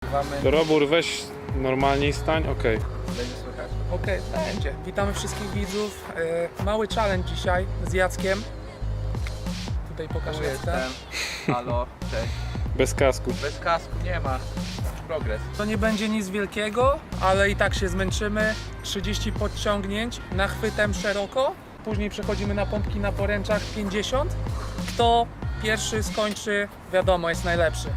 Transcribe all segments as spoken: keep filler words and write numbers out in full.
nagrywamy. Robór, weź normalniej stań, okej. Okay. Będzie słychać? Okej, okay, będzie. Witamy wszystkich widzów. Yy, mały challenge dzisiaj z Jackiem. Tutaj pokażę Jacka. Halo, cześć. Bez kasku. Bez kasku nie ma. Progres. To nie będzie nic wielkiego, ale i tak się zmęczymy. trzydzieści podciągnięć nachwytem szeroko. Później przechodzimy na pompki na poręczach pięćdziesiąt. Kto pierwszy skończy, wiadomo, jest najlepszy.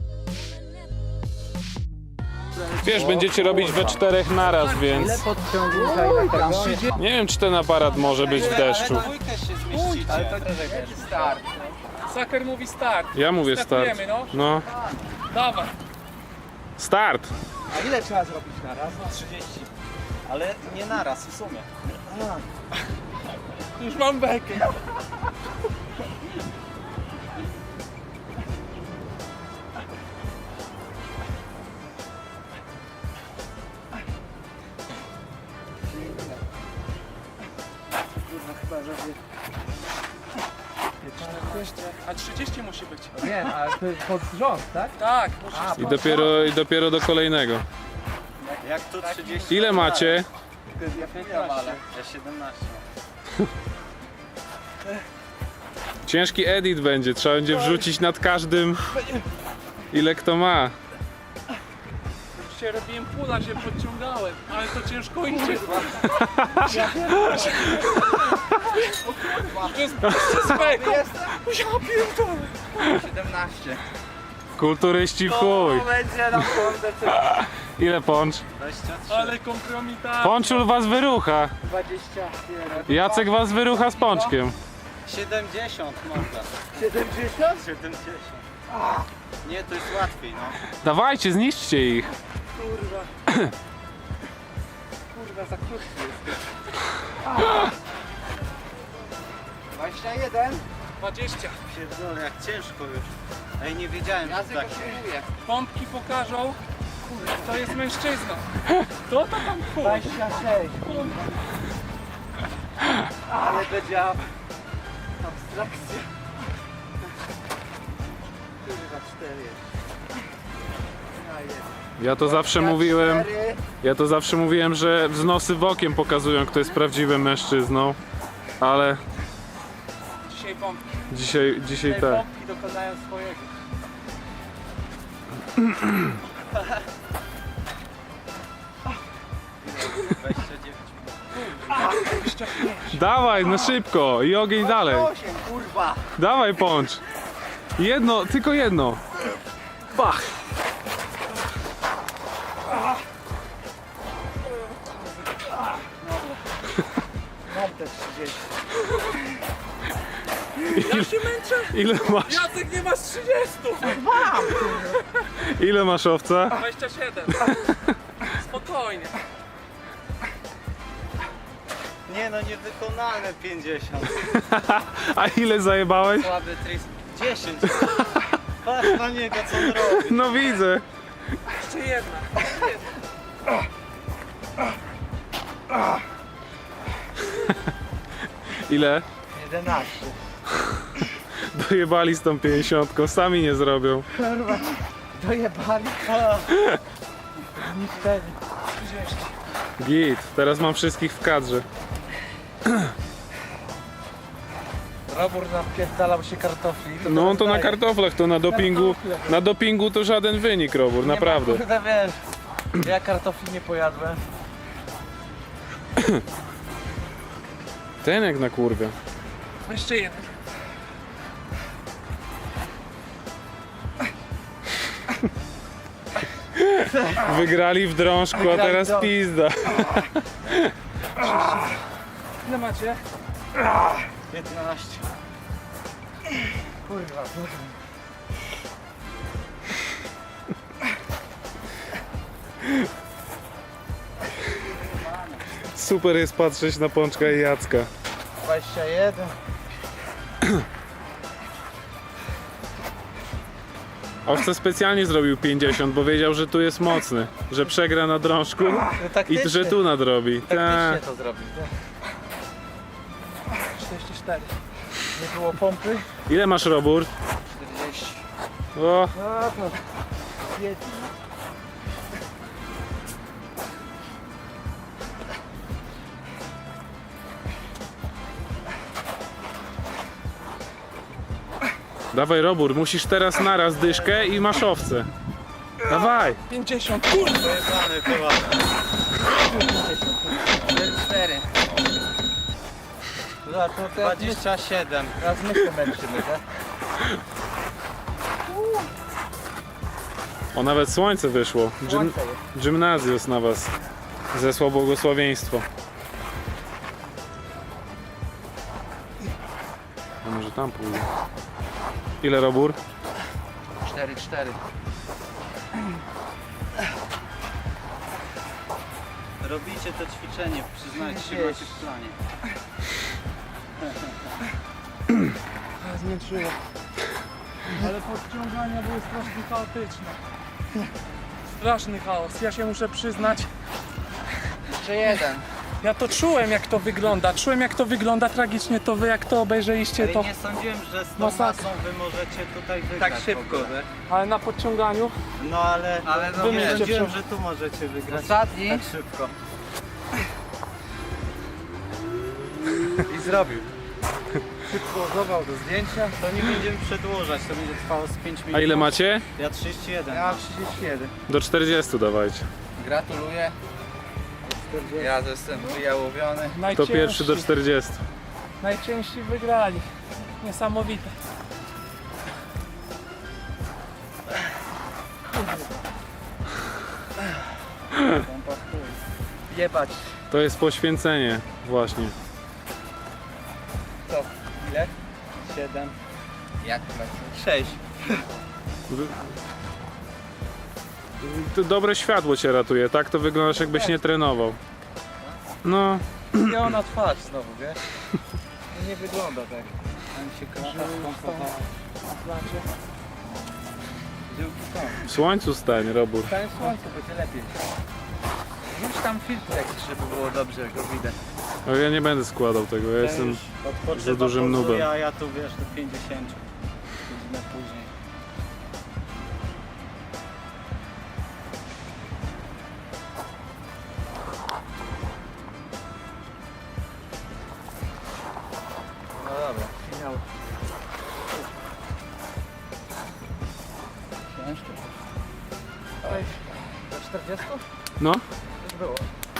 Wiesz, będziecie robić we czterech naraz, więc... Ile podciągnięć na tego? Nie wiem, czy ten aparat może być w deszczu. Ale to jest start. Saker mówi start. Ja mówię start. Startujemy, no. No. Dawaj. Start! A ile trzeba zrobić na raz? trzydzieści. Ale nie naraz w sumie. Już mam bekę. Chyba, że... A trzydzieści musi być. Nie, ale to jest pod rząd, tak? Tak, musisz. A, I dopiero, i dopiero do kolejnego. Jak tu trzydzieści? Ile macie? Ja piętnaście. Ja siedemnaście. Ciężki edit będzie, trzeba będzie wrzucić nad każdym, ile kto ma. Dzisiaj robiłem pula, się podciągałem, ale to ciężko idzie. To jest bezpeka. Ja pierdolę. siedemnaście. Kulturyści w chuj. To będzie na kurde. Ile poncz? dwadzieścia trzy. Ale kompromitacja. Ponczul was wyrucha. dwadzieścia jeden. Jacek was wyrucha z pączkiem. siedemdziesiąt można. siedemdziesiąt? siedemdziesiąt. Nie, to jest łatwiej, no. Dawajcie, zniszczcie ich. Kurwa. Kurwa, za krótki jest. dwadzieścia jeden? dwadzieścia. Pierdolę, jak ciężko już. Ej, nie wiedziałem, że tak. Pompki pokażą, kto jest mężczyzną. Kto to tam chuj? dwadzieścia sześć. Ale będzie ab... abstrakcja. Kurwa, cztery. Ja jest. Ja to zawsze mówiłem, ja to zawsze mówiłem, że wznosy w okiem pokazują, kto jest prawdziwym mężczyzną. Ale Dzisiaj pompki. dzisiaj, dzisiaj Te tak. pompki dokonają swojego. dwadzieścia dziewięć. dwadzieścia pięć. Dawaj, no szybko i ogień dalej. osiem, kurwa. Dawaj poncz. Jedno, tylko jedno. Bach. Mam te trzydzieści. Ja się męczę. Ile masz, Jacek, nie masz trzydziestu. ile masz owca? dwadzieścia siedem. Spokojnie. Nie no, niewykonalne pięćdziesiąt. A ile zajebałeś? Słaby tris. dziesięć. Patrz na niego, co on robi. No widzę. Jeszcze jedna. Ile? jedenaście. Dojebali z tą pięćdziesiątką, sami nie zrobią. Kurwa, dojebali. Nic wtedy. trzydzieści. Git, teraz mam wszystkich w kadrze. Robór napierdalał się kartofli. No on to na daje. kartoflach, to na dopingu, na dopingu to żaden wynik, Robór, naprawdę. Nie ma, kurde, wiesz, ja kartofli nie pojadłem. Ten jak na kurwę. Jeszcze jeden. Wygrali w drążku, a Wygrali teraz drąg. pizda. Ile macie? piętnaście. Kurwa, Super jest patrzeć na Pączka i Jacka. dwadzieścia jeden. Owce specjalnie zrobił pięćdziesiąt, bo wiedział, że tu jest mocny, że przegra na drążku i że tu nadrobi. Ta. Taktycznie to zrobił, nie? czterdzieści cztery. Nie było pompy. Ile masz, Robór? czterdzieści. O, No to... Jedno. Dawaj Robur, musisz teraz naraz dyszkę i masz owce. Dawaj! pięćdziesiąt, kurde! Pojebany chyba. cztery. Dobra, to dwadzieścia siedem. Teraz my się męczymy, tak? O, nawet słońce wyszło. Gym, Słońce jest. gimnazjus na was zesłał błogosławieństwo. A może tam pójdę. Ile Robur? cztery cztery. Robicie to ćwiczenie, przyznajcie się, macie w planie. Zmęczyło. Ale podciągania były strasznie chaotyczne. Straszny chaos. Ja się muszę przyznać, Jeszcze jeden. ja to czułem jak to wygląda. Czułem jak to wygląda tragicznie, to wy jak to obejrzeliście Ale to. nie sądziłem, że z tą Masakra. masą wy możecie tutaj wygrać. Tak w szybko, ogóle. Ale na podciąganiu No ale, Ale no nie wiecie, sądziłem, przy- że tu możecie wygrać Ostatni. tak szybko. I zrobił. Przypozował do zdjęcia. To nie będziemy przedłużać, to będzie trwało z pięć minut. A ile macie? Ja trzydzieści jeden. Ja mam trzydzieści jeden. Do czterdziestu dawajcie. Gratuluję. Ja jestem wyjałowiony. To najciężsi, pierwszy do czterdziestu. najciężsi wygrali. Niesamowite. Jebać. To jest poświęcenie właśnie. Co? Ile? siedem. Jak lecę? sześć. Wy- To dobre światło cię ratuje, tak? To wyglądasz jakbyś nie trenował. No, Zmieniona twarz znowu, wiesz? Nie wygląda tak. Tam się krata skąpowała. Żyłki są. w słońcu stań, Robur. Stanie słońce, będzie lepiej. Rzuć tam filtr jakiś, żeby było dobrze, jak go widać. Ale ja nie będę składał tego, ja jestem... Odpoczywa, za dużym pozuje, nubem. A ja tu wiesz do pięćdziesięciu. Godzinę później. No dobra, finał. Ciężko. Oj, do czterdziestu? No. Już było.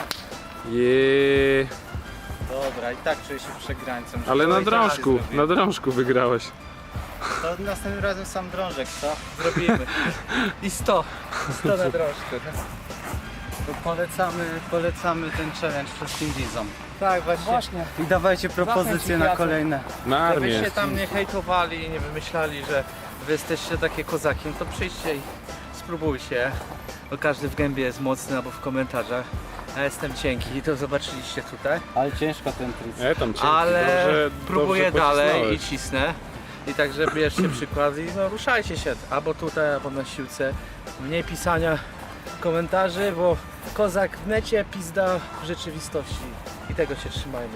Jeee. Dobra, i tak czuję się przegrańcem. że Ale to na i tak drążku, zrobię. na drążku wygrałeś. To następnym razem sam drążek, co? Zrobimy. I sto. sto na drążku. To polecamy, polecamy ten challenge wszystkim widzom. Tak, właśnie. Właśnie. I dawajcie propozycje Zachęć na Jacek. kolejne. Na Żebyście armię. tam nie hejtowali i nie wymyślali, że wy jesteście takie kozaki, no to przyjdźcie i spróbujcie. Bo każdy w gębie jest mocny albo w komentarzach. Ja jestem cienki, to zobaczyliście tutaj. Ale ciężko ten tric. E, tam cienki, Ale dobrze, próbuję dobrze dalej pocisnąłeś. i cisnę. I także bierzcie przykład i no, ruszajcie się albo tutaj, albo na siłce. Mniej pisania komentarzy, bo kozak w necie, pizda w rzeczywistości. I tego się trzymajmy.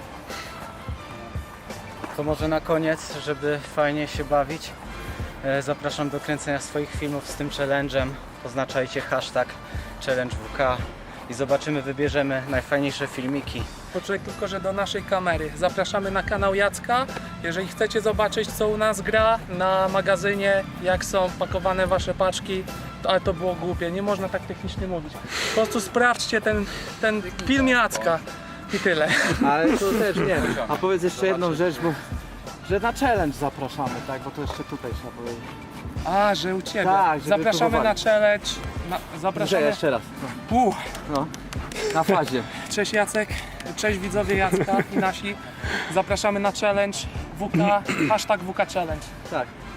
To może na koniec, żeby fajnie się bawić, e, zapraszam do kręcenia swoich filmów z tym challenge'em. Oznaczajcie hashtag challenge W K i zobaczymy, wybierzemy najfajniejsze filmiki. Poczekaj tylko, że do naszej kamery. Zapraszamy na kanał Jacka. Jeżeli chcecie zobaczyć, co u nas gra na magazynie, jak są pakowane wasze paczki, to, ale to było głupie, nie można tak technicznie mówić. Po prostu sprawdźcie ten, ten film Jacka i tyle. Ale to też nie. A powiedz jeszcze jedną rzecz, bo że na challenge zapraszamy, tak? Bo to jeszcze tutaj trzeba powiedzieć. A, że u Ciebie. Tak, żeby Zapraszamy na próbowali. challenge. Na, Że zapraszamy. jeszcze raz. Uh, No. Na fazie. cześć Jacek, cześć widzowie Jacka i nasi. Zapraszamy na challenge W K, hashtag W K Challenge. Tak.